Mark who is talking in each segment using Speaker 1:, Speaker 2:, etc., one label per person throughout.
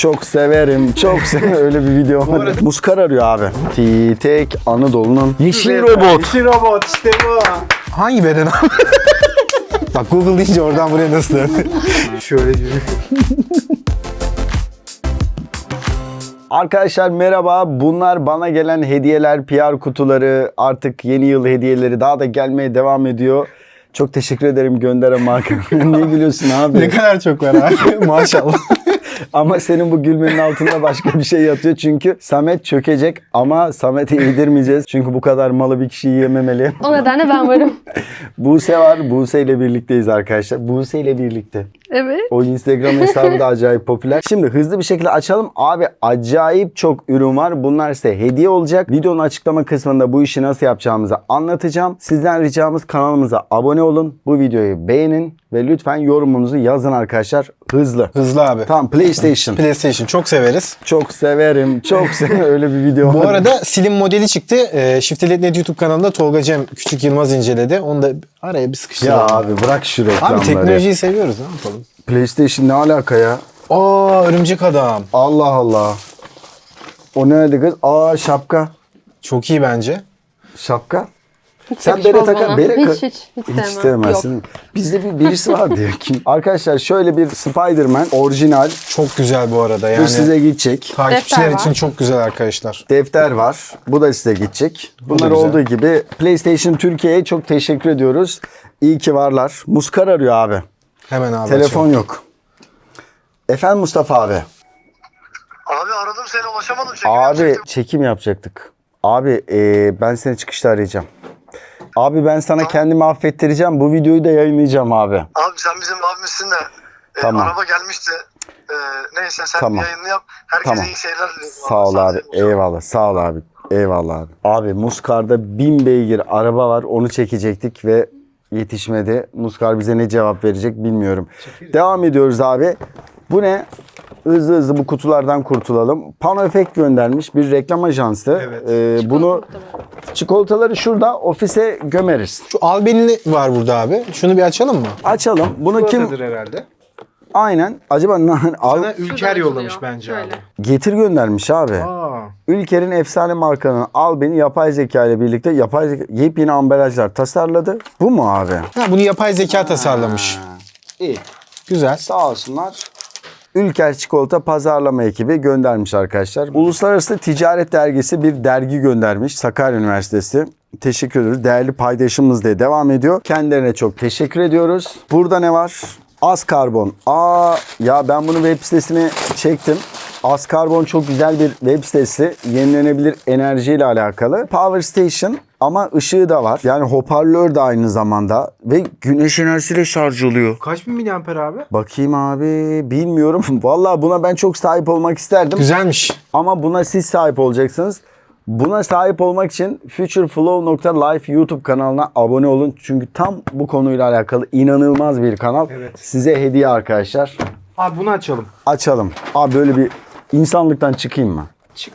Speaker 1: Çok severim, çok severim. Öyle bir video var. Muskar arıyor abi. Tek Anadolu'nun yeşil robot.
Speaker 2: Yeşil robot işte bu. Hangi beden abi? Bak Google deyince oradan buraya nasıl döndü? Şöyle diyor.
Speaker 1: Arkadaşlar merhaba. Bunlar bana gelen hediyeler, PR kutuları, artık yeni yıl hediyeleri daha da gelmeye devam ediyor. Çok teşekkür ederim gönderen marka. Niye gülüyorsun abi?
Speaker 2: Ne kadar çok var abi. Maşallah.
Speaker 1: Ama senin bu gülmenin altında başka bir şey yatıyor. Çünkü Samet çökecek ama Samet'i yedirmeyeceğiz. Çünkü bu kadar malı bir kişi yiyememeli.
Speaker 3: O nedenle ben varım.
Speaker 1: Buse var. Buse ile birlikteyiz arkadaşlar. Buse ile birlikte.
Speaker 3: Evet.
Speaker 1: O Instagram hesabı da acayip popüler. Şimdi hızlı bir şekilde açalım. Abi acayip çok ürün var. Bunlar size hediye olacak. Videonun açıklama kısmında bu işi nasıl yapacağımızı anlatacağım. Sizden ricamız kanalımıza abone olun. Bu videoyu beğenin ve lütfen yorumunuzu yazın arkadaşlar. Hızlı.
Speaker 2: Hızlı abi.
Speaker 1: Tamam, PlayStation.
Speaker 2: PlayStation çok severiz.
Speaker 1: Çok severim. Çok severim. Öyle bir video
Speaker 2: Bu
Speaker 1: var.
Speaker 2: arada Slim modeli çıktı. Shift'e.net YouTube kanalında Tolga Cem Küçük Yılmaz inceledi. Onu da araya bir sıkıştıralım.
Speaker 1: Ya abi bırak şu reklamları.
Speaker 2: Abi teknolojiyi seviyoruz, ne yapalım?
Speaker 1: PlayStation ne alaka ya?
Speaker 2: Aa, örümcek adam.
Speaker 1: Allah Allah. O nerede kız? Aa, şapka.
Speaker 2: Çok iyi bence.
Speaker 1: Şapka.
Speaker 3: Hiç
Speaker 1: Sen
Speaker 3: yakışmaz
Speaker 1: bere takar.
Speaker 3: bana.
Speaker 1: Bere
Speaker 3: Hiç
Speaker 1: Hiç
Speaker 3: sevmem.
Speaker 1: sevmezsin.
Speaker 3: Yok.
Speaker 1: Bizde birisi var diyor ki. Arkadaşlar şöyle bir Spider-Man orijinal.
Speaker 2: Çok güzel bu arada yani.
Speaker 1: Bu size gidecek.
Speaker 2: Takipçiler
Speaker 3: Defter
Speaker 2: için
Speaker 3: var.
Speaker 2: çok güzel arkadaşlar.
Speaker 1: Defter var. Bu da size gidecek. Bunlar
Speaker 2: güzel.
Speaker 1: olduğu gibi PlayStation Türkiye'ye çok teşekkür ediyoruz. İyi ki varlar. Muskar arıyor abi.
Speaker 2: Hemen abi
Speaker 1: Telefon
Speaker 2: açalım.
Speaker 1: yok. Efendim Mustafa abi.
Speaker 4: Abi aradım seni ulaşamadım.
Speaker 1: Abi çekim yapacaktık. Abi ben seni çıkışta arayacağım. Abi ben sana kendimi affettireceğim. Bu videoyu da yayınlayacağım abi.
Speaker 4: Abi sen bizim abimizsin de
Speaker 1: Tamam.
Speaker 4: araba gelmişti. Neyse sen
Speaker 1: Tamam.
Speaker 4: yayını yap. Herkese
Speaker 1: Tamam.
Speaker 4: iyi seyirler diliyorum.
Speaker 1: Sağ ol abi. Eyvallah. Sağ ol abi. Eyvallah abi. Abi Muskar'da 1000 beygir araba var. Onu çekecektik ve yetişmedi. Muskar bize ne cevap verecek bilmiyorum. Devam ediyoruz abi. Bu ne? Hızlı hızlı bu kutulardan kurtulalım. Pano Efekt göndermiş. Bir reklam ajansı.
Speaker 2: Evet.
Speaker 1: Bunu çikolataları şurada ofise gömeriz.
Speaker 2: Şu albenili var burada abi. Şunu bir açalım mı?
Speaker 1: Açalım. Bunu kim?
Speaker 2: herhalde.
Speaker 1: Aynen. Acaba al
Speaker 2: Ülker
Speaker 3: yollamış bence abi.
Speaker 1: getir göndermiş abi.
Speaker 2: Aa.
Speaker 1: Ülker'in efsane markanın Albeni yapay zeka ile birlikte yepyeni ambalajlar tasarladı. Bu mu abi?
Speaker 2: Ha, bunu yapay zeka tasarlamış.
Speaker 1: İyi.
Speaker 2: Güzel.
Speaker 1: Sağ olsunlar. Ülker Çikolata pazarlama ekibi göndermiş arkadaşlar. Uluslararası Ticaret Dergisi bir dergi göndermiş. Sakarya Üniversitesi. Teşekkür ediyoruz. Değerli paydaşımız diye devam ediyor. Kendilerine çok teşekkür ediyoruz. Burada ne var? Az Karbon. Ya ben bunu web sitesine çektim. Az Karbon çok güzel bir web sitesi. Yenilenebilir enerjiyle alakalı. Power Station ama ışığı da var. Yani hoparlör de aynı zamanda. Ve güneş enerjisiyle şarj oluyor.
Speaker 2: Kaç bin miliamper abi?
Speaker 1: Bakayım abi, bilmiyorum. Vallahi buna ben çok sahip olmak isterdim.
Speaker 2: Güzelmiş.
Speaker 1: Ama buna siz sahip olacaksınız. Buna sahip olmak için futureflow.life YouTube kanalına abone olun. Çünkü tam bu konuyla alakalı inanılmaz bir kanal.
Speaker 2: Evet.
Speaker 1: Size hediye arkadaşlar.
Speaker 2: Abi bunu açalım.
Speaker 1: Açalım. Abi böyle bir insanlıktan çıkayım mı?
Speaker 2: Çık.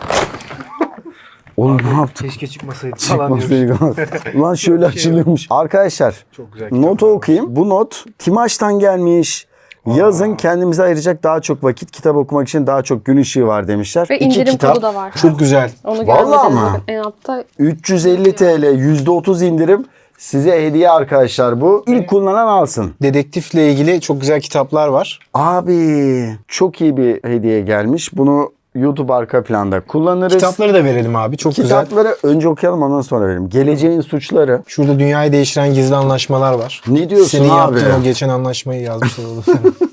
Speaker 1: Oğlum ne yaptın?
Speaker 2: Keşke çıkmasaydı.
Speaker 1: Ulan şöyle açılıyormuş. Arkadaşlar
Speaker 2: Çok güzel
Speaker 1: notu okuyayım. Bu not Timaş'tan gelmiş. Yazın kendimize ayıracak daha çok vakit, kitap okumak için daha çok gün ışığı var demişler.
Speaker 3: Ve
Speaker 1: İki
Speaker 3: indirim
Speaker 1: kitap,
Speaker 3: kodu da var.
Speaker 2: Çok güzel.
Speaker 3: Onu
Speaker 1: Vallahi
Speaker 3: görmedim.
Speaker 1: ama.
Speaker 3: En altta
Speaker 1: 350 TL, %30 indirim. Size hediye arkadaşlar bu. İlk kullanan alsın.
Speaker 2: Dedektifle ilgili çok güzel kitaplar var.
Speaker 1: Abi çok iyi bir hediye gelmiş. Bunu YouTube arka planda kullanırız.
Speaker 2: Kitapları da verelim abi. Çok güzel.
Speaker 1: Kitapları önce okuyalım ondan sonra verelim. Geleceğin suçları.
Speaker 2: Şurada dünyayı değiştiren gizli anlaşmalar var.
Speaker 1: Ne diyorsun
Speaker 2: Senin
Speaker 1: abi?
Speaker 2: yaptığın o geçen anlaşmayı yazmışlar olur.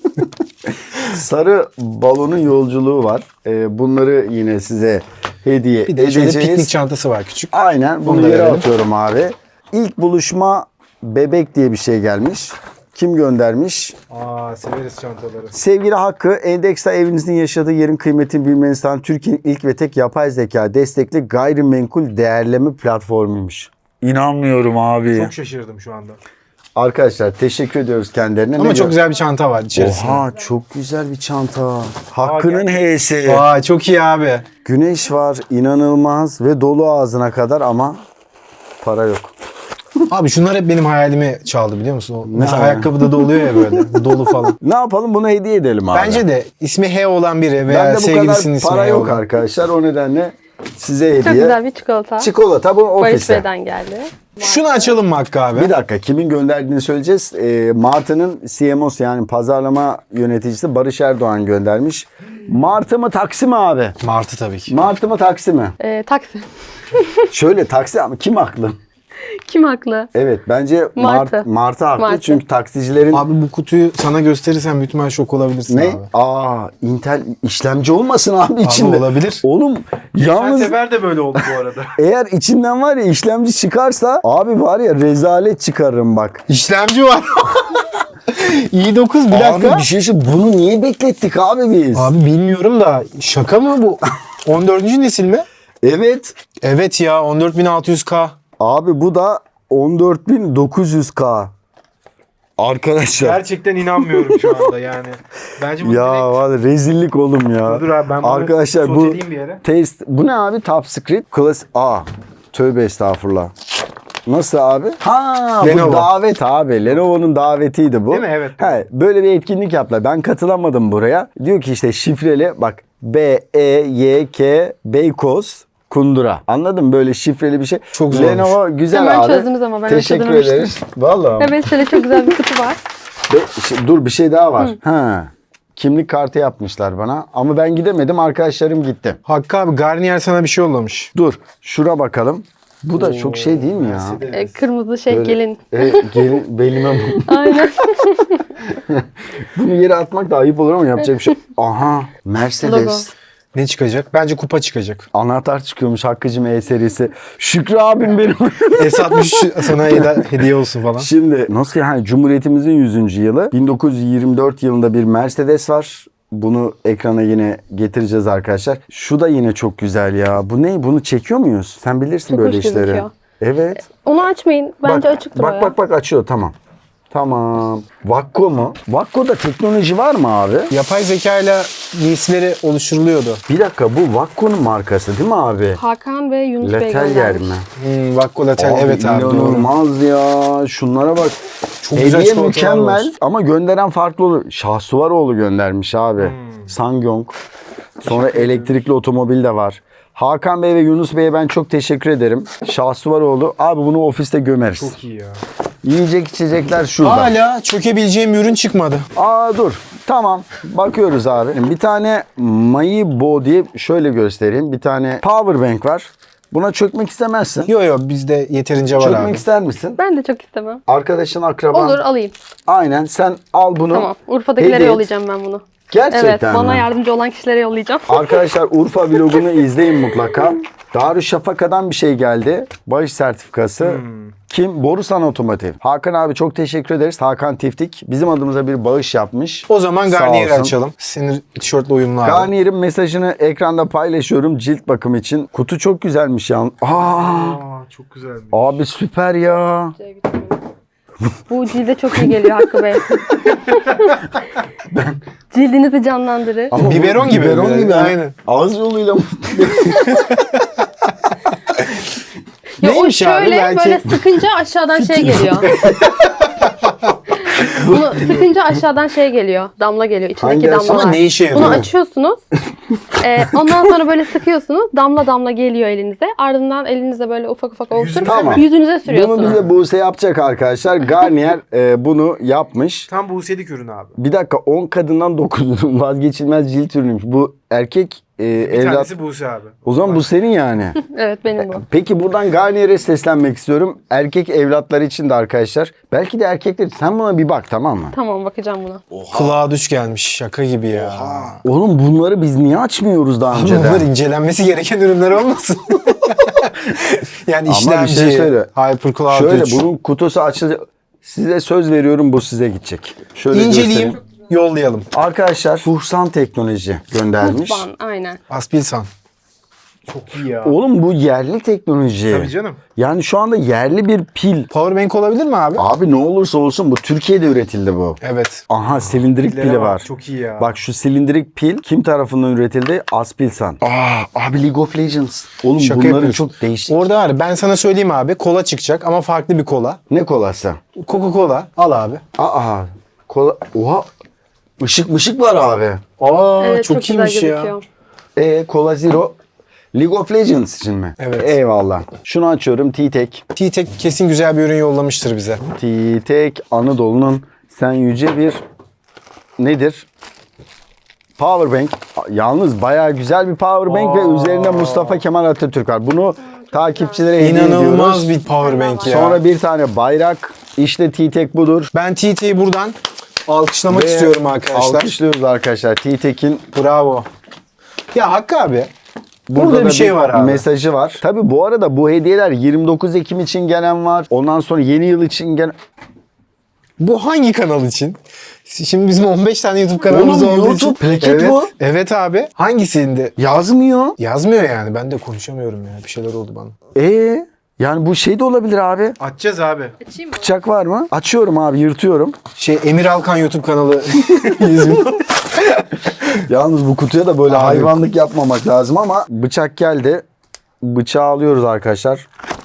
Speaker 1: Sarı balonun yolculuğu var. Bunları yine size hediye
Speaker 2: Bir de şöyle
Speaker 1: edeceğiz.
Speaker 2: piknik çantası var küçük.
Speaker 1: Aynen. Bunu
Speaker 2: Onu da
Speaker 1: yere
Speaker 2: verelim.
Speaker 1: atıyorum abi. İlk buluşma bebek diye bir şey gelmiş. Kim göndermiş?
Speaker 2: Severiz çantaları.
Speaker 1: Sevgili Hakkı, Endeks'te evinizin yaşadığı yerin kıymetini bilmeniz için Türkiye'nin ilk ve tek yapay zeka destekli gayrimenkul değerleme platformuymuş. İnanmıyorum abi.
Speaker 2: Çok şaşırdım şu anda.
Speaker 1: Arkadaşlar teşekkür ediyoruz kendilerine.
Speaker 2: Ama çok güzel bir çanta var içerisinde.
Speaker 1: Oha çok güzel bir çanta. Hakkı'nın H'si.
Speaker 2: Vay çok iyi abi.
Speaker 1: Güneş var inanılmaz ve dolu ağzına kadar ama para yok.
Speaker 2: Abi şunlar hep benim hayalimi çaldı biliyor musun? Mesela
Speaker 1: abi?
Speaker 2: ayakkabıda da oluyor ya böyle dolu falan.
Speaker 1: Ne yapalım, bunu hediye edelim abi.
Speaker 2: Bence de ismi H olan biri veya
Speaker 1: Bende bu
Speaker 2: sevgilisinin
Speaker 1: kadar
Speaker 2: ismi
Speaker 1: para
Speaker 2: H
Speaker 1: yok
Speaker 2: olan.
Speaker 1: arkadaşlar. O nedenle size hediye.
Speaker 3: Çok güzel bir çikolata.
Speaker 1: Çikolata bu
Speaker 3: Barış
Speaker 1: ofiste.
Speaker 3: Bey'den geldi.
Speaker 2: Şunu açalım mı Hakkı abi?
Speaker 1: Bir dakika, kimin gönderdiğini söyleyeceğiz. Martı'nın CMO'su yani pazarlama yöneticisi Barış Erdoğan göndermiş. Martı mı taksi mi abi?
Speaker 2: Martı tabii ki.
Speaker 1: Martı mı taksi mi?
Speaker 3: Taksi.
Speaker 1: Şöyle taksi ama kim haklı?
Speaker 3: Kim haklı?
Speaker 1: Evet bence
Speaker 3: Martı.
Speaker 1: Martı haklı
Speaker 3: Martı.
Speaker 1: çünkü taksicilerin...
Speaker 2: Abi bu kutuyu sana gösterirsem büyük ihtimal şok olabilirsin
Speaker 1: Ne?
Speaker 2: abi.
Speaker 1: Intel işlemci olmasın abi içinde.
Speaker 2: olabilir.
Speaker 1: Oğlum yalnız
Speaker 5: sefer de böyle oldu bu arada.
Speaker 1: eğer içinden var ya işlemci çıkarsa abi var ya rezalet çıkarırım bak.
Speaker 2: İşlemci var. i9 bir dakika.
Speaker 1: Abi bir şey söyleyeyim, bunu niye beklettik abi biz?
Speaker 2: Abi bilmiyorum da şaka mı bu? 14. nesil mi?
Speaker 1: Evet.
Speaker 2: Evet ya 14600K.
Speaker 1: Abi bu da 14.900K. Arkadaşlar.
Speaker 5: Gerçekten inanmıyorum şu anda yani. Bence bunu
Speaker 1: Ya
Speaker 5: direkt...
Speaker 1: vallahi rezillik oğlum ya.
Speaker 5: Dur abi ben bunu
Speaker 1: Arkadaşlar bu
Speaker 5: soteleyeyim bir yere.
Speaker 1: test bu ne abi? Top Secret Class A. Tövbe estağfurullah. Nasıl abi? Ha
Speaker 2: Lenovo.
Speaker 1: bu davet abi. Lenovo'nun davetiydi bu.
Speaker 5: Değil mi? Evet.
Speaker 1: He, böyle bir etkinlik yaptılar. Ben katılamadım buraya. Diyor ki işte şifreli bak B-E-Y-K Beykoz Kundura. Anladın mı? Böyle şifreli bir şey.
Speaker 2: Çok zormuş.
Speaker 1: Lenovo güzel
Speaker 3: Hemen
Speaker 1: abi.
Speaker 3: çözdünüz ama ben
Speaker 1: Teşekkür
Speaker 3: çözememiştim.
Speaker 1: ederiz. Vallahi.
Speaker 3: Evet şöyle çok güzel bir kutu var.
Speaker 1: Dur bir şey daha var. Ha. Kimlik kartı yapmışlar bana ama ben gidemedim, arkadaşlarım gitti.
Speaker 2: Hakkı abi Garnier sana bir şey yollamış.
Speaker 1: Dur şuna bakalım. Bu da çok şey değil mi ya?
Speaker 3: Kırmızı şey
Speaker 1: Böyle-
Speaker 3: gelin.
Speaker 1: Gelin belime
Speaker 3: Aynen.
Speaker 1: bunu yere atmak da ayıp olur ama yapacak bir şey. Aha Mercedes.
Speaker 3: Logo.
Speaker 2: Ne çıkacak? Bence kupa çıkacak.
Speaker 1: Anahtar çıkıyormuş Hakkı'cım E serisi. Şükrü abim benim.
Speaker 2: S60 sana hediye olsun falan.
Speaker 1: Şimdi nasıl yani Cumhuriyetimizin 100. yılı. 1924 yılında bir Mercedes var. Bunu ekrana yine getireceğiz arkadaşlar. Şu da yine çok güzel ya. Bu ne? Bunu çekiyor muyuz? Sen bilirsin
Speaker 3: Çok
Speaker 1: böyle
Speaker 3: hoş
Speaker 1: işleri.
Speaker 3: gözüküyor.
Speaker 1: Evet.
Speaker 3: Onu açmayın. Bence açıktır o ya.
Speaker 1: Bak açıyor tamam. Tamam. Vakko mu? Vakko'da teknoloji var mı abi?
Speaker 2: Yapay zeka ile giysileri oluşturuluyordu.
Speaker 1: Bir dakika bu Vakko'nun markası değil mi abi?
Speaker 3: Hakan ve Yunus Bey
Speaker 1: Letel yer
Speaker 3: göndermiş.
Speaker 1: mi?
Speaker 2: Vakko Latel evet abi doğru.
Speaker 1: İnanılmaz ya. Şunlara bak.
Speaker 2: Çok güzel
Speaker 1: Hediye
Speaker 2: çikolatalar
Speaker 1: mükemmel
Speaker 2: var.
Speaker 1: ama gönderen farklı olur. Şahsuvaroğlu göndermiş abi. Sangyong. Sonra elektrikli otomobil de var. Hakan Bey ve Yunus Bey'e ben çok teşekkür ederim. Şahsuvaroğlu. Abi bunu ofiste gömeriz.
Speaker 5: Çok iyi ya.
Speaker 1: Yiyecek içecekler şurada.
Speaker 2: Hala çökebileceğim ürün çıkmadı.
Speaker 1: Dur. Tamam. Bakıyoruz abi. Bir tane Mayibo diye şöyle göstereyim. Bir tane power bank var. Buna çökmek istemezsin.
Speaker 2: Yo bizde yeterince var
Speaker 1: Çökmek
Speaker 2: abi.
Speaker 1: ister misin?
Speaker 3: Ben de çok istemem.
Speaker 1: Arkadaşın, akraban.
Speaker 3: Olur alayım.
Speaker 1: Aynen. Sen al bunu.
Speaker 3: Tamam. Urfa'dakilere
Speaker 1: hediye et.
Speaker 3: yollayacağım ben bunu.
Speaker 1: Gerçekten
Speaker 3: Evet. Bana
Speaker 1: mi?
Speaker 3: yardımcı olan kişilere yollayacağım.
Speaker 1: Arkadaşlar Urfa vlogunu izleyin mutlaka. Darüşşafaka'dan bir şey geldi. Bağış sertifikası. Kim? Borusan Otomotiv. Hakan abi çok teşekkür ederiz. Hakan Tiftik bizim adımıza bir bağış yapmış.
Speaker 2: O zaman
Speaker 1: Sağ
Speaker 2: Garnier'i
Speaker 1: olsun.
Speaker 2: açalım. Senin tişörtle uyumlu abi.
Speaker 1: Garnier'in mesajını ekranda paylaşıyorum cilt bakım için. Kutu çok güzelmiş ya.
Speaker 5: Aa çok güzelmiş.
Speaker 1: Abi süper ya.
Speaker 3: Bu cilde çok iyi geliyor Hakkı Bey. Cildinizi canlandırır.
Speaker 1: Ama bu
Speaker 2: Biberon gibi.
Speaker 1: Biberon gibi.
Speaker 2: Aynen.
Speaker 1: Ağız yoluyla mı?
Speaker 3: Ya o
Speaker 2: Neymiş abi?
Speaker 3: şöyle
Speaker 2: Belki-
Speaker 3: böyle sıkınca aşağıdan şey geliyor. Bunu sıkınca aşağıdan şey geliyor. Damla geliyor. İçindeki
Speaker 1: Hangi aşağı?
Speaker 3: damlalar.
Speaker 2: Ama ne işe yarıyor?
Speaker 3: Bunu açıyorsunuz. Ondan sonra böyle sıkıyorsunuz. Damla damla geliyor elinize. Ardından elinizde böyle ufak ufak oluşturup
Speaker 1: Tamam.
Speaker 3: yüzünüze sürüyorsunuz.
Speaker 1: Bunu bize Buse yapacak arkadaşlar. Garnier bunu yapmış.
Speaker 5: Tam Buse'lik ürün abi.
Speaker 1: Bir dakika 10 kadından 9'unun vazgeçilmez cilt ürünüymüş. Bu erkek
Speaker 5: Bir
Speaker 1: evlat.
Speaker 5: tanesi Buse abi.
Speaker 1: O zaman bu senin yani.
Speaker 3: Evet benim bu.
Speaker 1: Peki buradan Garnier'e seslenmek istiyorum. Erkek evlatları için de arkadaşlar. Belki de erkekler. Sen buna bir bak tamam mı?
Speaker 3: Tamam bakacağım buna.
Speaker 2: Kulağa düş gelmiş. Şaka gibi ya.
Speaker 1: Oğlum bunları biz niye açmıyoruz daha
Speaker 2: Abi
Speaker 1: önceden?
Speaker 2: bunlar incelenmesi gereken ürünler olmasın? Yani
Speaker 1: Ama bir
Speaker 2: işlemci,
Speaker 1: şey söyle.
Speaker 2: HyperCloud
Speaker 1: Şöyle
Speaker 2: 3.
Speaker 1: bunun kutusu açılacak. Size söz veriyorum bu size gidecek. Şöyle
Speaker 2: İnceleyeyim,
Speaker 1: göstereyim.
Speaker 2: yollayalım.
Speaker 1: Arkadaşlar Fuhsan Teknoloji göndermiş.
Speaker 3: Kutban aynen.
Speaker 2: Aspilsan.
Speaker 5: Çok iyi ya.
Speaker 1: Oğlum bu yerli teknoloji.
Speaker 5: Tabii canım.
Speaker 1: Yani şu anda yerli bir pil.
Speaker 2: Powerbank olabilir mi abi?
Speaker 1: Abi ne olursa olsun bu Türkiye'de üretildi bu.
Speaker 2: Evet.
Speaker 1: Aha silindirik
Speaker 5: Pillere
Speaker 1: pili
Speaker 5: bak,
Speaker 1: var.
Speaker 5: Çok iyi ya.
Speaker 1: Bak şu silindirik pil kim tarafından üretildi? Aspilsan. Abi League of Legends. Oğlum
Speaker 2: Şaka
Speaker 1: bunların
Speaker 2: yapıyorsun.
Speaker 1: çok değişik.
Speaker 2: Orada var. Ben sana söyleyeyim abi. Kola çıkacak ama farklı bir kola.
Speaker 1: Ne kolası?
Speaker 2: Coca-Cola. Al abi.
Speaker 1: Kola. Oha. Işık var abi.
Speaker 3: Evet,
Speaker 2: çok
Speaker 3: güzel
Speaker 2: iyiymiş ya.
Speaker 3: gözüküyor.
Speaker 1: Cola Zero. League of Legends için mi?
Speaker 2: Evet.
Speaker 1: Eyvallah. Şunu açıyorum. T-Tek.
Speaker 2: T-Tek kesin güzel bir ürün yollamıştır bize.
Speaker 1: T-Tek Anadolu'nun sen yüce bir nedir? Powerbank. Yalnız bayağı güzel bir powerbank ve üzerinde Mustafa Kemal Atatürk var. Bunu takipçilere hediye
Speaker 2: İnanılmaz
Speaker 1: ediyoruz.
Speaker 2: bir powerbank ya.
Speaker 1: Sonra bir tane bayrak. İşte T-Tek budur.
Speaker 2: Ben T-Tek'i buradan alkışlamak
Speaker 1: Ve
Speaker 2: istiyorum arkadaşlar.
Speaker 1: Alkışlıyoruz arkadaşlar. T-Tek'in
Speaker 2: Bravo. Ya Hakkı abi.
Speaker 1: burada
Speaker 2: Burada
Speaker 1: da
Speaker 2: bir şey var abi.
Speaker 1: mesajı var. Tabii bu arada bu hediyeler 29 Ekim için gelen var. Ondan sonra yeni yıl için gelen...
Speaker 2: Bu hangi kanal için? Şimdi bizim 15 tane YouTube kanalımız
Speaker 1: Oğlum,
Speaker 2: olduğu
Speaker 1: YouTube
Speaker 2: için.
Speaker 1: plaket
Speaker 2: evet,
Speaker 1: bu.
Speaker 2: Evet abi. Hangisinde?
Speaker 1: Yazmıyor.
Speaker 2: Yazmıyor yani. Ben de konuşamıyorum ya. Bir şeyler oldu bana.
Speaker 1: Yani bu şey de olabilir abi.
Speaker 5: Açacağız abi.
Speaker 3: Açayım mı?
Speaker 1: Bıçak var mı? Açıyorum abi, yırtıyorum.
Speaker 2: Emir Alkan YouTube kanalı. 100 bin.
Speaker 1: Yalnız bu kutuya da böyle
Speaker 2: Abi.
Speaker 1: hayvanlık yapmamak lazım ama bıçak geldi. Bıçağı alıyoruz arkadaşlar.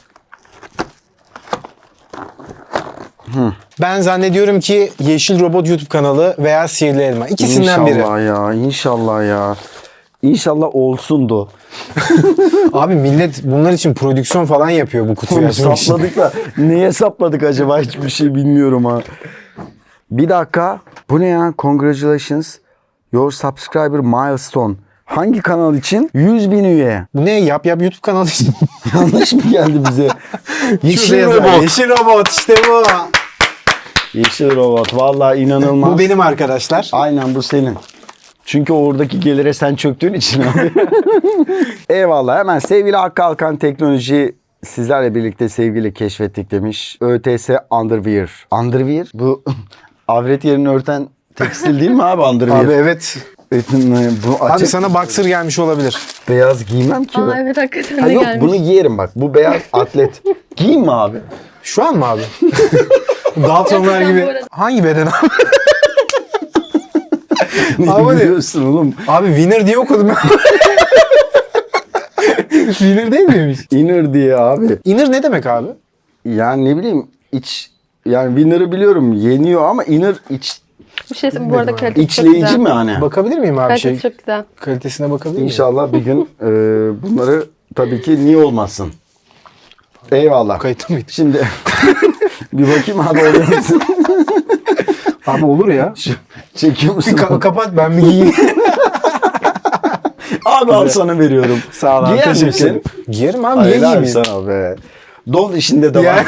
Speaker 2: Ben zannediyorum ki Yeşil Robot YouTube kanalı veya Sihirli Elma. İkisinden biri.
Speaker 1: İnşallah ya, inşallah ya. İnşallah olsundu.
Speaker 2: Abi millet bunlar için prodüksiyon falan yapıyor bu kutuyu
Speaker 1: Oğlum
Speaker 2: açmak için.
Speaker 1: sapladık da neye sapladık acaba, hiçbir şey bilmiyorum ha. Bir dakika. Bu ne ya? Congratulations. Your subscriber milestone. Hangi kanal için? 100.000 üye.
Speaker 2: Bu ne? Yap YouTube kanalı için.
Speaker 1: Yanlış mı geldi bize?
Speaker 2: Yeşil Robot. Yeşil Robot işte bu.
Speaker 1: Yeşil robot. Vallahi inanılmaz.
Speaker 2: Bu benim arkadaşlar.
Speaker 1: Aynen bu senin. Çünkü oradaki gelire sen çöktüğün için abi. Eyvallah. Hemen sevgili Hakkı Alkan Teknoloji sizlerle birlikte sevgili keşfettik demiş. ÖTS Underwear. Underwear? Bu avret yerini örten tekstil değil mi abi Underwear?
Speaker 2: Abi evet.
Speaker 1: Bu
Speaker 2: Abi
Speaker 1: açık
Speaker 2: sana boxer gelmiş olabilir.
Speaker 1: beyaz giymem ki
Speaker 3: Aa
Speaker 1: ben.
Speaker 3: evet hakikaten
Speaker 1: Ha
Speaker 3: de
Speaker 1: yok,
Speaker 3: gelmiş.
Speaker 1: bunu giyerim bak. Bu beyaz atlet. Giyeyim mi abi?
Speaker 2: Şu an mı abi? Daltonlar
Speaker 3: Gerçekten bu
Speaker 2: gibi.
Speaker 3: arada.
Speaker 2: Hangi beden abi?
Speaker 1: Ne
Speaker 2: Abi-
Speaker 1: biliyorsun oğlum?
Speaker 2: Abi winner diye okudum ben. Winner değil miymiş?
Speaker 1: Inner diye abi.
Speaker 2: Inner ne demek abi?
Speaker 1: Yani ne bileyim iç, yani winner'ı biliyorum yeniyor ama inner iç,
Speaker 3: Bu şey bu arada kalitesi çok
Speaker 1: içleyici
Speaker 3: güzel.
Speaker 1: mi hani?
Speaker 2: Bakabilir miyim abi
Speaker 3: Kalitesi çok güzel.
Speaker 2: Kalitesine bakabilir miyim?
Speaker 1: İnşallah bir gün bunları tabii ki niye olmasın. Eyvallah.
Speaker 2: Kayıtlı mıydı?
Speaker 1: Şimdi bir bakayım abi, oluyor musun?
Speaker 2: Abi olur ya.
Speaker 1: Çekiyor musun?
Speaker 2: Kapat ben bir giyeyim.
Speaker 1: Abi al sana veriyorum.
Speaker 2: Sağ ol abi.
Speaker 1: Giyer
Speaker 2: Teşekkür
Speaker 1: misin?
Speaker 2: ederim. Giyerim abi. Niye
Speaker 1: Hayır abi
Speaker 2: giymeyeyim?
Speaker 1: sana be. Don işinde de
Speaker 2: Ya.
Speaker 1: var.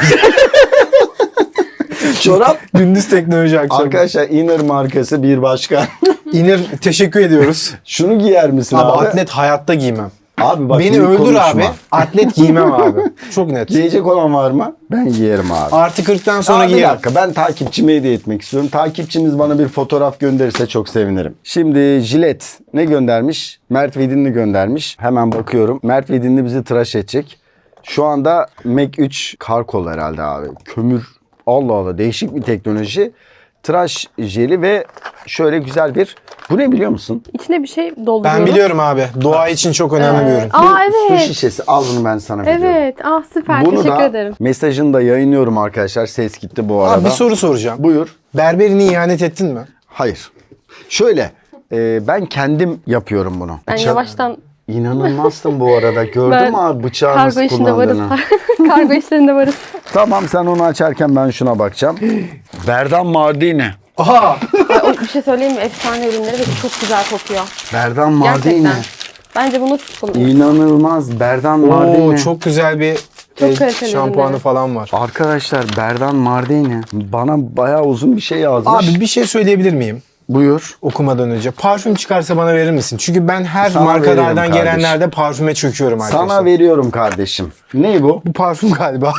Speaker 1: Çorap.
Speaker 2: Gündüz teknoloji akşam.
Speaker 1: Arkadaşlar Inner markası bir başka.
Speaker 2: Inner teşekkür ediyoruz.
Speaker 1: Şunu giyer misin
Speaker 2: Abi,
Speaker 1: abi?
Speaker 2: atlet hayatta giymem.
Speaker 1: Abi bak
Speaker 2: Beni
Speaker 1: büyük
Speaker 2: öldür
Speaker 1: konuşma.
Speaker 2: abi. Atlet giymem abi. Çok net.
Speaker 1: Giyecek olan var mı? Ben giyerim abi.
Speaker 2: Artı 40'tan sonra
Speaker 1: Bir
Speaker 2: giyerim.
Speaker 1: dakika, ben takipçime hediye etmek istiyorum. Takipçiniz bana bir fotoğraf gönderirse çok sevinirim. Şimdi Jilet ne göndermiş? Mert Vidinli göndermiş. Hemen bakıyorum. Mert Vidinli bizi tıraş edecek. Şu anda Mac 3 Karkol herhalde abi. Kömür. Allah Allah, değişik bir teknoloji. Tıraş jeli ve şöyle güzel bir... Bu ne biliyor musun?
Speaker 3: İçine bir şey dolduruyoruz.
Speaker 2: Ben biliyorum abi. Doğa için çok önemli bir ürün.
Speaker 3: Aa
Speaker 1: Su
Speaker 3: evet.
Speaker 1: şişesi. Al bunu, ben sana veriyorum.
Speaker 3: Evet. Ah süper.
Speaker 1: Bunu
Speaker 3: Teşekkür
Speaker 1: da
Speaker 3: ederim.
Speaker 1: mesajını da yayınlıyorum arkadaşlar. Ses gitti bu arada.
Speaker 2: Abi bir soru soracağım.
Speaker 1: Buyur.
Speaker 2: Berberine ihanet ettin mi?
Speaker 1: Hayır. Şöyle, ben kendim yapıyorum bunu.
Speaker 3: Ben yavaştan
Speaker 1: İnanılmazsın bu arada. Gördün
Speaker 3: Ben
Speaker 1: mü abi bıçağı
Speaker 3: kargo
Speaker 1: nasıl
Speaker 3: işinde varız.
Speaker 1: kullandığını?
Speaker 3: Kargo işlerinde varız.
Speaker 1: Tamam, sen onu açarken ben şuna bakacağım. Berdan Mardini.
Speaker 2: Aha!
Speaker 3: Ay, bir şey söyleyeyim mi? Efsane ürünleri ve çok güzel kokuyor.
Speaker 1: Berdan Mardini.
Speaker 3: Gerçekten. Bence bunu siz kullanın.
Speaker 1: İnanılmaz. Berdan
Speaker 2: Oo,
Speaker 1: Mardini.
Speaker 2: çok güzel bir
Speaker 3: Çok kaliteli
Speaker 2: şampuanı
Speaker 3: ürünleri.
Speaker 2: falan var.
Speaker 1: Arkadaşlar Berdan Mardini bana bayağı uzun bir şey yazmış.
Speaker 2: Abi bir şey söyleyebilir miyim?
Speaker 1: Buyur.
Speaker 2: Okumadan önce. Parfüm çıkarsa bana verir misin? Çünkü ben her
Speaker 1: Sana
Speaker 2: markalardan
Speaker 1: veriyorum
Speaker 2: gelenlerde parfüme çöküyorum arkadaşlar.
Speaker 1: Sana veriyorum kardeşim. Ne bu?
Speaker 2: Bu parfüm galiba.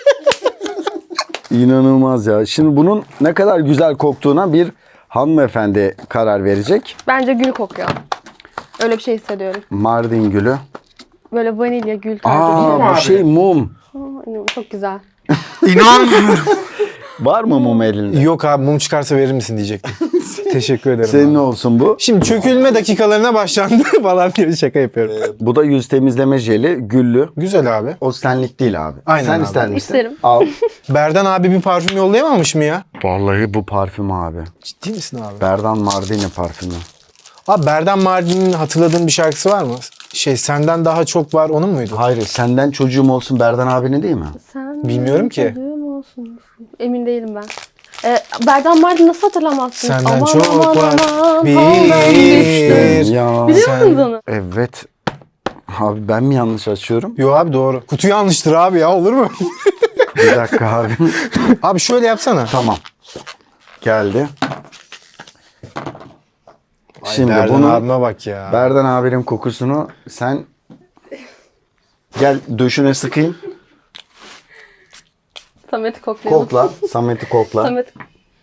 Speaker 1: İnanılmaz ya. Şimdi bunun ne kadar güzel koktuğuna bir hanımefendi karar verecek.
Speaker 3: Bence gül kokuyor. Öyle bir şey hissediyorum.
Speaker 1: Mardin gülü.
Speaker 3: böyle vanilya, gül tarzı bir şey.
Speaker 1: Aa bu şey mum.
Speaker 3: Çok güzel.
Speaker 2: İnanmıyorum.
Speaker 1: Var mı mum elinde?
Speaker 2: Yok abi, mum çıkarsa verir misin diyecektim. Teşekkür ederim.
Speaker 1: Senin
Speaker 2: abi.
Speaker 1: ne olsun bu?
Speaker 2: Şimdi çökülme dakikalarına başlandı falan diye şaka yapıyorum.
Speaker 1: Bu da yüz temizleme jeli, güllü.
Speaker 2: Güzel abi.
Speaker 1: O senlik değil abi.
Speaker 2: Aynen
Speaker 1: Sen
Speaker 2: abi.
Speaker 1: ister misin?
Speaker 3: İsterim.
Speaker 1: Al.
Speaker 2: Berdan abi bir parfüm yollayamamış mı ya?
Speaker 1: Vallahi bu parfüm abi.
Speaker 2: Ciddi misin abi?
Speaker 1: Berdan Mardini parfümü.
Speaker 2: Abi Berdan Mardin'in hatırladığın bir şarkısı var mı? Senden daha çok var, onun muydu?
Speaker 1: Hayır, senden çocuğum olsun Berdan abinin değil mi?
Speaker 3: Sen
Speaker 2: Bilmiyorum ki.
Speaker 3: çocuğum olsun. Emin değilim ben. Berdan Mardin nasıl hatırlamazsın?
Speaker 2: Senden çok var.
Speaker 3: aman,
Speaker 2: Bir.
Speaker 1: Ya.
Speaker 3: Biliyor
Speaker 2: Sen-
Speaker 3: musunuz onu?
Speaker 1: Evet. Abi ben mi yanlış açıyorum?
Speaker 2: Yo abi doğru. Kutu yanlıştır abi ya, olur mu?
Speaker 1: Bir dakika abi.
Speaker 2: Abi şöyle yapsana.
Speaker 1: Tamam. Geldi. Şimdi
Speaker 2: Berdan
Speaker 1: bunu
Speaker 2: abime bak ya.
Speaker 1: Berdan abinin kokusunu sen gel döşüne sıkayım.
Speaker 3: Samet'i koklayalım.
Speaker 1: Kokla. Samet'i kokla.
Speaker 3: Samet.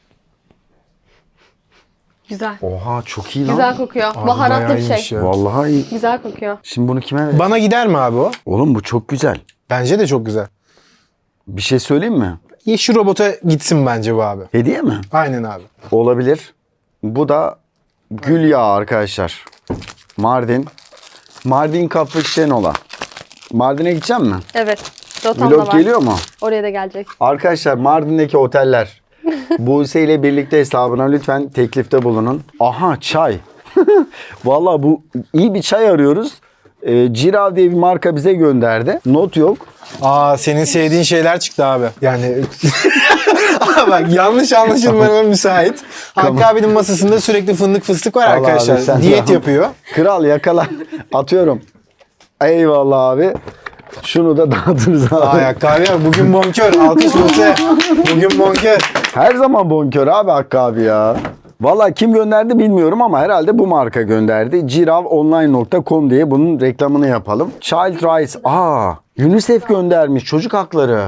Speaker 3: Güzel.
Speaker 1: Oha çok iyi lan.
Speaker 3: Güzel kokuyor.
Speaker 2: Abi
Speaker 3: Baharatlı
Speaker 2: bayağı
Speaker 3: bir
Speaker 2: iyiymiş
Speaker 3: şey.
Speaker 2: ya.
Speaker 1: Vallahi iyi.
Speaker 3: Güzel kokuyor.
Speaker 1: Şimdi bunu kime ver?
Speaker 2: Bana gider mi abi o?
Speaker 1: Oğlum bu çok güzel.
Speaker 2: Bence de çok güzel.
Speaker 1: Bir şey söyleyeyim mi?
Speaker 2: Yeşil robota gitsin bence bu abi.
Speaker 1: Hediye mi?
Speaker 2: Aynen abi.
Speaker 1: Olabilir. Bu da gül yağı arkadaşlar. Mardin. Mardin Kapı Şenola. Mardin'e gideceğim mi?
Speaker 3: Evet. Rotamda
Speaker 1: Vlog
Speaker 3: var.
Speaker 1: geliyor mu?
Speaker 3: Oraya da gelecek.
Speaker 1: Arkadaşlar Mardin'deki oteller. Buse ile birlikte hesabına lütfen teklifte bulunun. Aha çay. Vallahi bu iyi bir çay arıyoruz. Cirav diye bir marka bize gönderdi. Not yok.
Speaker 2: Aa, senin sevdiğin şeyler çıktı abi. Yani bak, yanlış anlaşılmaya müsait. Hakkı abinin masasında sürekli fındık fıstık var
Speaker 1: Al
Speaker 2: arkadaşlar.
Speaker 1: abi, sen
Speaker 2: Diyet
Speaker 1: de al.
Speaker 2: yapıyor.
Speaker 1: Kral yakala. Atıyorum. Eyvallah abi. Şunu da dağıtırız abi.
Speaker 2: Aa, Hakkı abi bugün bonkör. Alkış Buse. Bugün bonkör.
Speaker 1: Her zaman bonkör abi Hakkı abi ya. Valla kim gönderdi bilmiyorum ama herhalde bu marka gönderdi. Ciravonline.com diye bunun reklamını yapalım. Child Rights. UNICEF göndermiş. Çocuk hakları.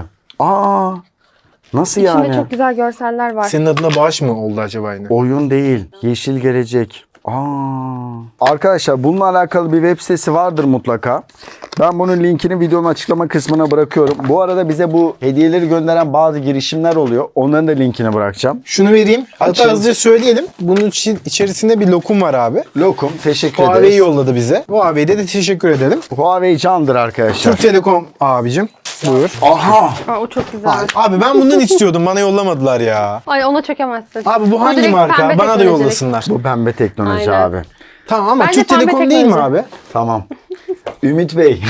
Speaker 1: Nasıl
Speaker 3: İçinde
Speaker 1: yani?
Speaker 3: çok güzel görseller var.
Speaker 2: Senin adına bağış mı oldu acaba yine?
Speaker 1: Oyun değil. Yeşil gelecek. Arkadaşlar bununla alakalı bir web sitesi vardır mutlaka. Ben bunun linkini videonun açıklama kısmına bırakıyorum. Bu arada bize bu hediyeleri gönderen bazı girişimler oluyor. Onların da linkini bırakacağım.
Speaker 2: Şunu vereyim. Hatta
Speaker 1: Açın.
Speaker 2: hızlıca söyleyelim. Bunun içerisinde bir lokum var abi.
Speaker 1: Lokum teşekkür
Speaker 2: Huawei
Speaker 1: ederiz.
Speaker 2: yolladı bize. Huawei'de de teşekkür edelim.
Speaker 1: Huawei candır arkadaşlar.
Speaker 2: Türk Telekom abicim. Buyur.
Speaker 1: Aha!
Speaker 3: O çok güzel.
Speaker 2: Abi ben bundan istiyordum. Bana yollamadılar ya.
Speaker 3: Ay ona çökemezsin.
Speaker 2: Abi bu
Speaker 3: O
Speaker 2: hangi
Speaker 3: direkt
Speaker 2: marka?
Speaker 3: pembe
Speaker 2: Bana da
Speaker 3: teknolojilik.
Speaker 2: yollasınlar.
Speaker 1: Bu pembe teknoloji
Speaker 3: Aynen.
Speaker 1: abi.
Speaker 2: Tamam ama
Speaker 3: Bence
Speaker 2: Türk
Speaker 3: pembe
Speaker 2: Telekom değil mi
Speaker 3: teknoloji.
Speaker 2: abi?
Speaker 1: Tamam. Ümit Bey.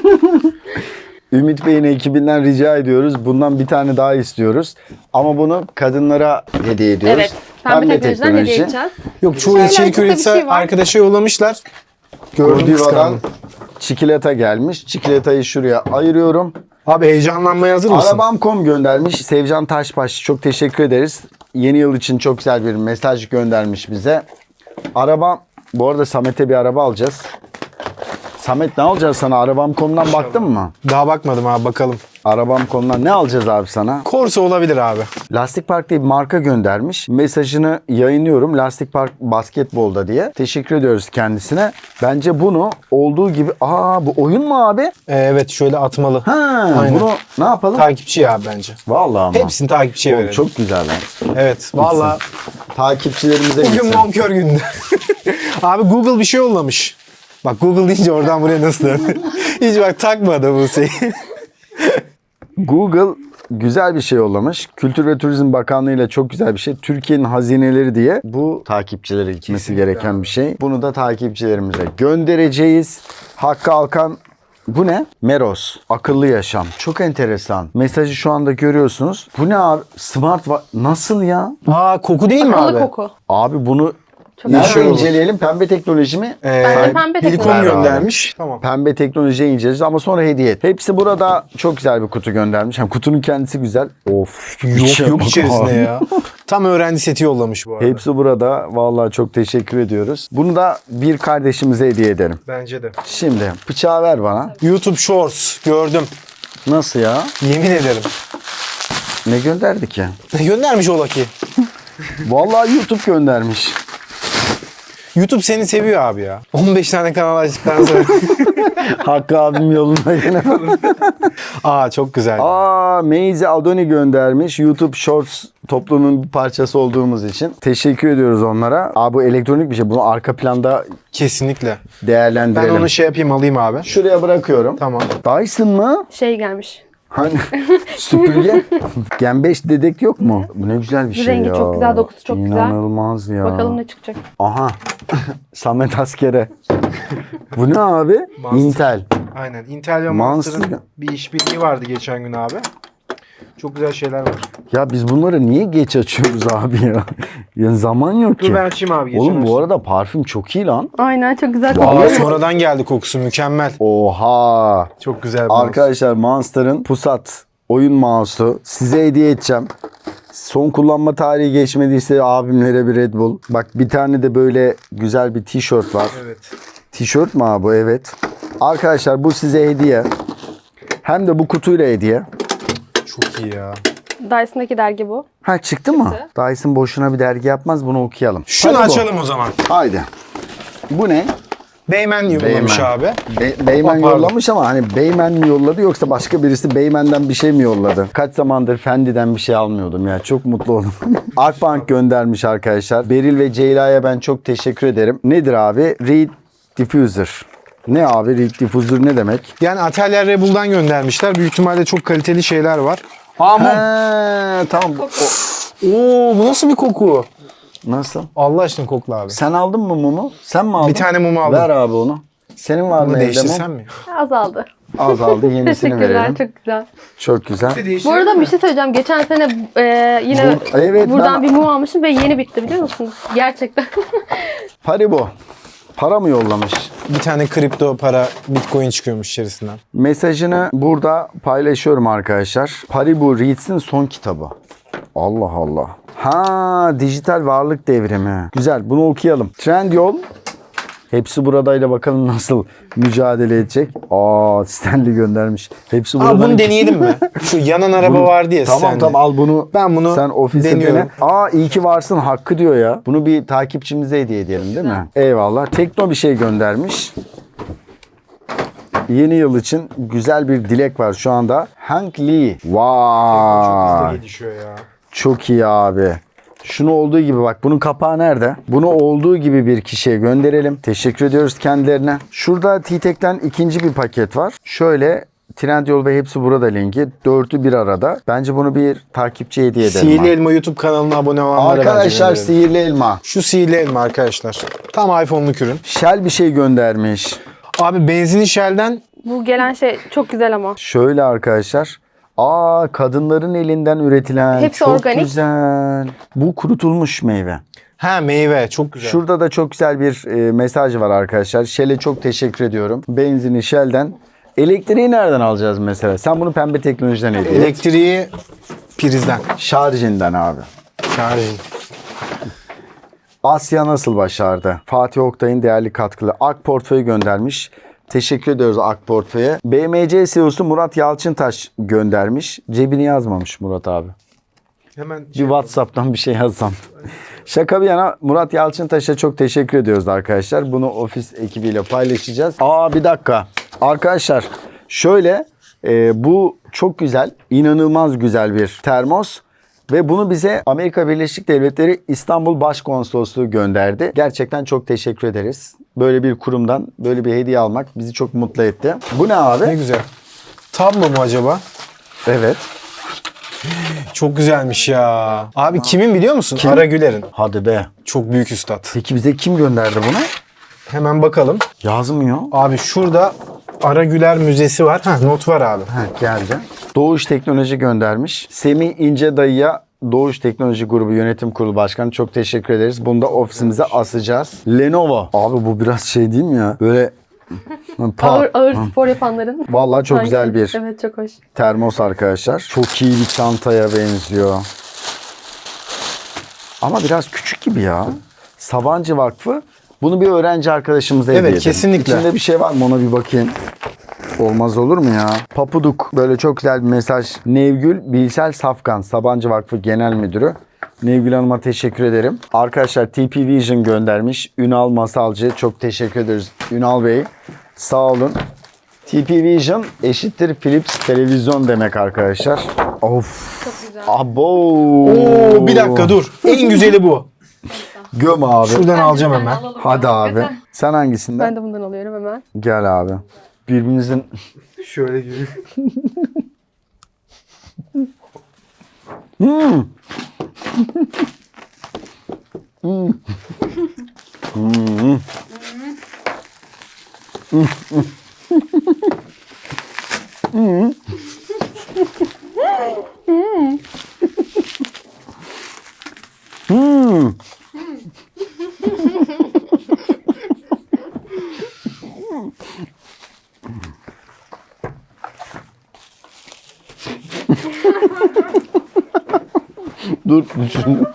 Speaker 1: Ümit Bey'in ekibinden rica ediyoruz. Bundan bir tane daha istiyoruz. Ama bunu kadınlara hediye ediyoruz.
Speaker 3: Evet. Pembe teknolojiden hediye edeceğiz.
Speaker 2: Yok, çoğu
Speaker 3: Şöyle
Speaker 2: içerik
Speaker 3: arkada bir
Speaker 2: üretisi
Speaker 3: şey var.
Speaker 2: arkadaşa yollamışlar. Gördüm,
Speaker 1: Godiva'dan
Speaker 2: kıskandım.
Speaker 1: çikolata gelmiş. Çikolatayı şuraya ayırıyorum.
Speaker 2: Abi heyecanlanmaya hazır mısın?
Speaker 1: Arabam.com göndermiş. Sevcan Taşbaş çok teşekkür ederiz. Yeni yıl için çok güzel bir mesaj göndermiş bize. Araba, bu arada Samet'e bir araba alacağız. Samet ne alacağız sana? Arabam.com'dan baktın mı?
Speaker 2: Daha bakmadım abi, bakalım.
Speaker 1: Arabam.com'dan ne alacağız abi sana?
Speaker 2: Corsa olabilir abi.
Speaker 1: Lastik Park diye bir marka göndermiş. Mesajını yayınlıyorum. Lastik Park basketbolda diye. Teşekkür ediyoruz kendisine. Bence bunu olduğu gibi... bu oyun mu abi?
Speaker 2: Evet, şöyle atmalı. Aynen.
Speaker 1: Bunu ne yapalım?
Speaker 2: Takipçi ya bence.
Speaker 1: Vallahi ama.
Speaker 2: Hepsini takipçiye
Speaker 1: Oğlum,
Speaker 2: verelim.
Speaker 1: çok güzel lan.
Speaker 2: Evet. Valla
Speaker 1: Takipçilerimize
Speaker 2: bugün
Speaker 1: gitsin.
Speaker 2: bonkör günde. Abi Google bir şey yollamış. Bak Google deyince oradan buraya nasıl döndü? Hiç bak takmadı bu şeyi.
Speaker 1: Google güzel bir şey yollamış. Kültür ve Turizm Bakanlığı ile çok güzel bir şey. Türkiye'nin hazineleri diye bu takipçilere gitmesi gereken bir şey. Bunu da takipçilerimize göndereceğiz. Hakkı Alkan, bu ne? Meros. Akıllı yaşam. Çok enteresan. Mesajı şu anda görüyorsunuz. Bu ne abi? Nasıl ya?
Speaker 2: Koku değil mi abi?
Speaker 3: Akıllı koku.
Speaker 1: Abi bunu
Speaker 3: Çok
Speaker 1: nerede
Speaker 3: güzel.
Speaker 1: inceleyelim? Pembe teknoloji mi?
Speaker 3: Bence pembe
Speaker 2: Helikom
Speaker 3: teknoloji.
Speaker 2: göndermiş. Tamam.
Speaker 1: Pembe teknolojiye ineceğiz ama sonra hediye et. Hepsi burada çok güzel bir kutu göndermiş. Hem kutunun kendisi güzel. Of.
Speaker 2: Yok içerisinde ya. Tam öğrenci seti yollamış bu arada.
Speaker 1: Hepsi burada. Vallahi çok teşekkür ediyoruz. Bunu da bir kardeşimize hediye edelim.
Speaker 5: Bence de.
Speaker 1: Şimdi bıçağı ver bana.
Speaker 2: YouTube Shorts gördüm.
Speaker 1: Nasıl ya?
Speaker 2: Yemin ederim.
Speaker 1: Ne gönderdi ki?
Speaker 2: Göndermiş ola ki.
Speaker 1: Vallahi YouTube göndermiş.
Speaker 2: YouTube seni seviyor abi ya. 15 tane kanal açtıktan sonra.
Speaker 1: Hakkı abim yolunda yine.
Speaker 2: Aa çok güzel.
Speaker 1: Meyzi Adoni göndermiş. YouTube Shorts toplumunun bir parçası olduğumuz için. Teşekkür ediyoruz onlara. Bu elektronik bir şey. Bunu arka planda
Speaker 2: Kesinlikle. Ben
Speaker 1: değerlendirelim.
Speaker 2: onu şey yapayım alayım abi.
Speaker 1: Şuraya bırakıyorum.
Speaker 2: Tamam.
Speaker 1: Dyson mı?
Speaker 3: Şey gelmiş.
Speaker 1: Hani süpürge? Gen 5 dedek yok mu? Bu ne güzel bir şey
Speaker 3: Rengi
Speaker 1: ya.
Speaker 3: çok güzel, dokusu çok güzel.
Speaker 1: İnanılmaz ya.
Speaker 3: Bakalım ne çıkacak.
Speaker 1: Aha. Samet Askere. Bu ne abi?
Speaker 5: Monster.
Speaker 1: Intel.
Speaker 5: Aynen. Intel ve
Speaker 1: Monster.
Speaker 5: Monster'ın bir işbirliği vardı geçen gün abi. Çok güzel şeyler var.
Speaker 1: Ya biz bunları niye geç açıyoruz abi ya? Ya zaman yok
Speaker 5: Dur
Speaker 1: ki.
Speaker 5: ben açayım abi. geçen
Speaker 1: Oğlum bu
Speaker 5: açtım.
Speaker 1: arada parfüm çok iyi lan.
Speaker 3: Aynen çok güzel.
Speaker 2: Aa sonradan geldi kokusu mükemmel.
Speaker 1: Oha.
Speaker 5: Çok güzel bir mouse.
Speaker 1: Arkadaşlar Monster'ın Pusat oyun mouse'u size hediye edeceğim. Son kullanma tarihi geçmediyse abimlere bir Red Bull. Bak bir tane de böyle güzel bir tişört var.
Speaker 5: Evet.
Speaker 1: Tişört mü abi bu? Evet. Arkadaşlar bu size hediye. Hem de bu kutuyla hediye.
Speaker 2: Çok iyi ya.
Speaker 3: Dyson'daki dergi bu.
Speaker 1: Ha çıktı mı? Dyson boşuna bir dergi yapmaz. Bunu okuyalım.
Speaker 2: Şunu
Speaker 1: Hadi bu.
Speaker 2: açalım o zaman.
Speaker 1: Haydi. Bu ne?
Speaker 2: Beymen yollamış
Speaker 1: Beymen.
Speaker 2: abi.
Speaker 1: Beymen
Speaker 2: Pardon.
Speaker 1: yollamış ama hani Beymen mi yolladı yoksa başka birisi Beymen'den bir şey mi yolladı? Kaç zamandır Fendi'den bir şey almıyordum ya. Çok mutlu oldum. Akbank göndermiş arkadaşlar. Beril ve Ceyla'ya ben çok teşekkür ederim. Nedir abi? Reed Diffuser. Ne abi? Reed Diffuser ne demek?
Speaker 2: Yani Atelier Rebel'dan göndermişler. Büyük ihtimalle çok kaliteli şeyler var. Aa mum.
Speaker 1: He, tamam.
Speaker 2: Oo bu nasıl bir koku?
Speaker 1: Nasıl?
Speaker 2: Allah aşkına kokla abi.
Speaker 1: Sen aldın mı mumu? Sen mi aldın?
Speaker 2: Bir tane mum aldım.
Speaker 1: Ver abi onu. Senin var mı
Speaker 2: Bunu
Speaker 1: evde
Speaker 2: değiştirsem
Speaker 1: mum?
Speaker 2: mi?
Speaker 3: Azaldı.
Speaker 1: Azaldı. Yenisini
Speaker 3: Teşekkürler.
Speaker 1: verelim.
Speaker 3: Çok güzel.
Speaker 1: Çok güzel.
Speaker 3: Bu arada bir şey söyleyeceğim. Geçen sene yine
Speaker 1: Evet,
Speaker 3: buradan
Speaker 1: ben-
Speaker 3: bir mum almışım ve yeni bitti biliyor musunuz? Gerçekten.
Speaker 1: Paribo. Para mı yollamış?
Speaker 2: Bir tane kripto para bitcoin çıkıyormuş içerisinden.
Speaker 1: Mesajını burada paylaşıyorum arkadaşlar. Paribu Reads'in son kitabı. Allah Allah. Ha, dijital varlık devrimi. Güzel, bunu okuyalım. Trendyol. Hepsi buradayla bakalım nasıl mücadele edecek. Stanley göndermiş. Hepsi burada.
Speaker 2: Aa bunu deneyelim mi? Şu yanan araba vardı ya
Speaker 1: Tamam
Speaker 2: sende.
Speaker 1: tamam al bunu.
Speaker 2: Ben bunu
Speaker 1: sen ofise
Speaker 2: deniyorum.
Speaker 1: dene. İyi ki varsın hakkı diyor ya. Bunu bir takipçimize hediye edelim değil mi? Eyvallah. Tekno bir şey göndermiş. Yeni yıl için güzel bir dilek var şu anda. Hank Lee.
Speaker 5: Çok hızlı
Speaker 1: Vay.
Speaker 5: gelişiyor ya.
Speaker 1: Çok iyi abi. Şunu olduğu gibi bak bunun kapağı nerede? Bunu olduğu gibi bir kişiye gönderelim. Teşekkür ediyoruz kendilerine. Şurada T-Tek'ten ikinci bir paket var. Şöyle Trendyol ve hepsi burada linki. 4'ü bir arada. Bence bunu bir takipçiye hediye edelim.
Speaker 2: Sihirli
Speaker 1: abi.
Speaker 2: Elma YouTube kanalına abone olanlara bence
Speaker 1: Arkadaşlar
Speaker 2: gönderelim.
Speaker 1: sihirli elma.
Speaker 2: Şu sihirli elma arkadaşlar. Tam iPhone'luk ürün.
Speaker 1: Shell bir şey göndermiş.
Speaker 2: Abi benzini Shell'den
Speaker 3: Bu gelen şey çok güzel ama.
Speaker 1: Şöyle arkadaşlar. Kadınların elinden üretilen.
Speaker 3: Hepsi
Speaker 1: çok
Speaker 3: organik.
Speaker 1: güzel. Bu kurutulmuş meyve.
Speaker 2: meyve çok güzel.
Speaker 1: Şurada da çok güzel bir mesaj var arkadaşlar. Shell'e çok teşekkür ediyorum. Benzini Shell'den. Elektriği nereden alacağız mesela? Sen bunu pembe teknolojiden hediye et.
Speaker 2: Elektriği prizden.
Speaker 1: Şarjından abi.
Speaker 2: Şarjı.
Speaker 1: Asya nasıl başardı? Fatih Oktay'ın değerli katkılı Ak Portföy göndermiş. Teşekkür ediyoruz Ak Portföy'e. BMC CEO'su Murat Yalçıntaş göndermiş. Cebini yazmamış Murat abi.
Speaker 5: Hemen
Speaker 1: Bir WhatsApp'tan bir şey yazsam. Şaka bir yana Murat Yalçıntaş'a çok teşekkür ediyoruz arkadaşlar. Bunu ofis ekibiyle paylaşacağız. Bir dakika. Arkadaşlar şöyle bu çok güzel, inanılmaz güzel bir termos. Ve bunu bize Amerika Birleşik Devletleri İstanbul Başkonsolosluğu gönderdi. Gerçekten çok teşekkür ederiz. Böyle bir kurumdan böyle bir hediye almak bizi çok mutlu etti. Bu ne abi?
Speaker 2: Ne güzel. Tablo mu acaba?
Speaker 1: Evet.
Speaker 2: Çok güzelmiş ya. Abi kimin biliyor musun? Ara Güler'in.
Speaker 1: Hadi be.
Speaker 2: Çok büyük üstad.
Speaker 1: Peki bize kim gönderdi bunu?
Speaker 2: Hemen bakalım.
Speaker 1: Yazmıyor.
Speaker 2: Abi şurada Ara Güler Müzesi var. Not var abi.
Speaker 1: Geldi. Doğuş Teknoloji göndermiş. Semih İnce Dayı'ya Doğuş Teknoloji Grubu Yönetim Kurulu Başkanı çok teşekkür ederiz. Bunu da ofisimize asacağız. Lenovo. Abi bu biraz şey değil mi ya? Böyle
Speaker 3: Ağır spor yapanların.
Speaker 1: Vallahi çok
Speaker 3: Sanki.
Speaker 1: güzel bir
Speaker 3: Evet çok hoş.
Speaker 1: termos arkadaşlar. Çok iyi bir çantaya benziyor. Ama biraz küçük gibi ya. Sabancı Vakfı. Bunu bir öğrenci arkadaşımıza hediye edelim.
Speaker 2: kesinlikle.
Speaker 1: İçinde bir şey var mı ona bir bakayım. Olmaz olur mu ya? Papuduk. Böyle çok güzel bir mesaj. Nevgül Bilsel Safkan. Sabancı Vakfı Genel Müdürü. Nevgül Hanım'a teşekkür ederim. Arkadaşlar TP Vision göndermiş. Ünal Masalcı çok teşekkür ederiz. Ünal Bey sağ olun. TP Vision eşittir Philips televizyon demek arkadaşlar. Of.
Speaker 3: Çok güzel.
Speaker 1: Abo.
Speaker 2: Oo, bir dakika dur. En güzeli bu.
Speaker 1: Göm abi.
Speaker 2: Şuradan alacağım hemen.
Speaker 1: Hadi abi. Sen hangisinden?
Speaker 3: Ben de bundan alıyorum hemen.
Speaker 1: Gel abi. Birbirinizin
Speaker 5: Şöyle gibi.
Speaker 1: dur düşündüm.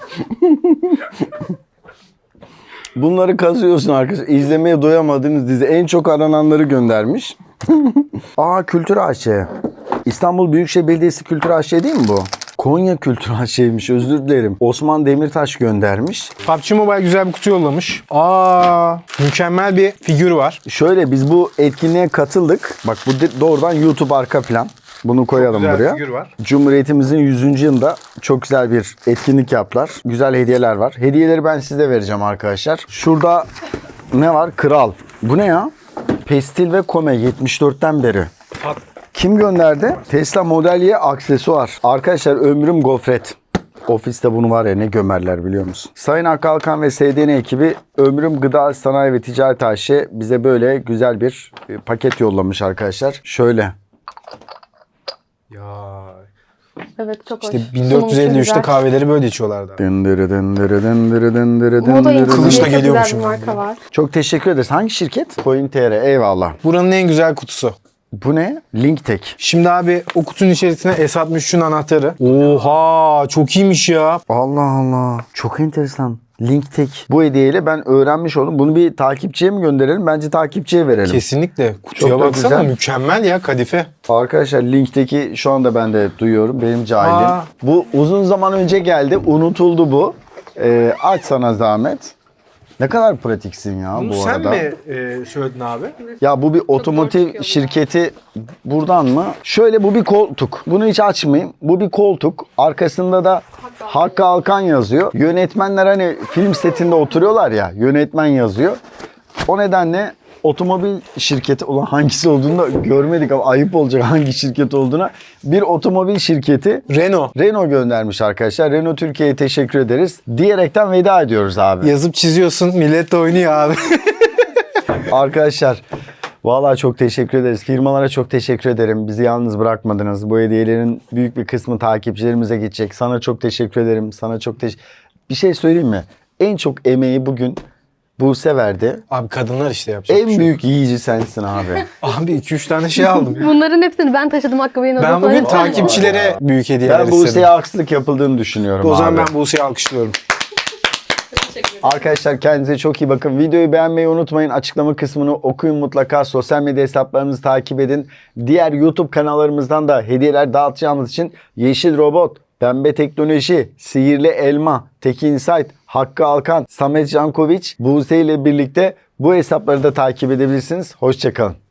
Speaker 1: Bunları kazıyorsun arkadaşlar. İzlemeye doyamadığınız dizi en çok arananları göndermiş. Aa, Kültür AŞ. İstanbul Büyükşehir Belediyesi Kültür AŞ değil mi bu? Konya Kültür AŞ'ymiş, özür dilerim. Osman Demirtaş göndermiş.
Speaker 2: PUBG Mobile güzel bir kutu yollamış. Aa, mükemmel bir figür var.
Speaker 1: Şöyle, biz bu etkinliğe katıldık. Bak bu doğrudan YouTube arka plan. Bunu koyalım
Speaker 5: Güzel
Speaker 1: buraya.
Speaker 5: figür var.
Speaker 1: Cumhuriyetimizin 100. yılında çok güzel bir etkinlik yaptılar. Güzel hediyeler var. Hediyeleri ben size vereceğim arkadaşlar. Şurada ne var? Kral. Bu ne ya? Pestil ve Kome 74'ten beri. Kim gönderdi? Tesla Model Y aksesuar. Arkadaşlar ömrüm gofret. Ofiste bunu var ya ne gömerler biliyor musun? Sayın Hakkı Alkan ve SDN ekibi Ömrüm Gıda Sanayi ve Ticaret AŞ bize böyle güzel bir paket yollamış arkadaşlar. Şöyle.
Speaker 5: Ya.
Speaker 3: Evet, çok
Speaker 2: İşte
Speaker 3: hoş. Sunumu çok
Speaker 2: 1453'te
Speaker 3: güzel.
Speaker 2: kahveleri böyle içiyorlardı.
Speaker 1: Dındırı dındırı dındırı dındırı
Speaker 3: Moda
Speaker 1: dındırı
Speaker 3: incisi
Speaker 2: Kılıçla
Speaker 3: diye çok
Speaker 2: geliyormuşum
Speaker 3: güzel bir
Speaker 2: ben
Speaker 3: marka var.
Speaker 1: Çok teşekkür ederiz. Hangi şirket? Coin.tr. Eyvallah.
Speaker 2: Buranın en güzel kutusu.
Speaker 1: Bu ne? Linktek.
Speaker 2: Şimdi abi o kutunun içerisine S63'ün anahtarı. Oha, çok iyiymiş ya.
Speaker 1: Allah Allah. Çok enteresan. Linktek. Bu hediyeyle ben öğrenmiş oldum. Bunu bir takipçiye mi gönderelim? Bence takipçiye verelim.
Speaker 2: Kesinlikle. Kutuya
Speaker 1: Çok da
Speaker 2: baksana,
Speaker 1: güzel.
Speaker 2: mükemmel ya, kadife.
Speaker 1: Arkadaşlar Link'teki şu anda ben de duyuyorum. Benim cahilim.
Speaker 2: Aa.
Speaker 1: Bu uzun zaman önce geldi. Unutuldu bu. Aç sana zahmet. Ne kadar pratiksin ya
Speaker 5: Bunu
Speaker 1: bu
Speaker 5: sen
Speaker 1: arada.
Speaker 5: mi söyledin abi?
Speaker 1: Ya bu bir otomotiv
Speaker 3: çıkıyor.
Speaker 1: şirketi buradan mı? Şöyle, bu bir koltuk. Bunu hiç açmayayım. Bu bir koltuk. Arkasında da Hakkı Alkan yazıyor. Yönetmenler hani film setinde oturuyorlar ya. Yönetmen yazıyor. O nedenle otomobil şirketi, olan hangisi olduğunu da görmedik ama ayıp olacak hangi şirket olduğuna. Bir otomobil şirketi
Speaker 2: Renault.
Speaker 1: göndermiş arkadaşlar. Renault Türkiye'ye teşekkür ederiz. Diyerekten veda ediyoruz abi.
Speaker 2: Yazıp çiziyorsun, millet de oynuyor abi.
Speaker 1: Arkadaşlar vallahi çok teşekkür ederiz. Firmalara çok teşekkür ederim. Bizi yalnız bırakmadınız. Bu hediyelerin büyük bir kısmı takipçilerimize gidecek. Sana çok teşekkür ederim. Sana çok Bir şey söyleyeyim mi? En çok emeği bugün Buse verdi.
Speaker 2: Abi kadınlar işte yapacak bir
Speaker 1: En
Speaker 2: şey yok.
Speaker 1: büyük yiyici sensin abi.
Speaker 2: Abi 2-3 tane şey aldım.
Speaker 3: Bunların hepsini ben taşıdım, Hakkı Bey'in
Speaker 2: Ben
Speaker 3: odasına.
Speaker 2: bugün
Speaker 3: Lütfen.
Speaker 2: takipçilere büyük hediyeler
Speaker 1: Ben
Speaker 2: istedim.
Speaker 1: Buse'ye haksızlık yapıldığını düşünüyorum
Speaker 2: O zaman
Speaker 1: abi.
Speaker 2: ben Buse'yi alkışlıyorum.
Speaker 1: Arkadaşlar kendinize çok iyi bakın. Videoyu beğenmeyi unutmayın. Açıklama kısmını okuyun mutlaka. Sosyal medya hesaplarımızı takip edin. Diğer YouTube kanallarımızdan da hediyeler dağıtacağımız için Yeşil Robot, Pembe Teknoloji, Sihirli Elma, Teki Insight, Hakkı Alkan, Samet Jankoviç, Buse ile birlikte bu hesapları da takip edebilirsiniz. Hoşçakalın.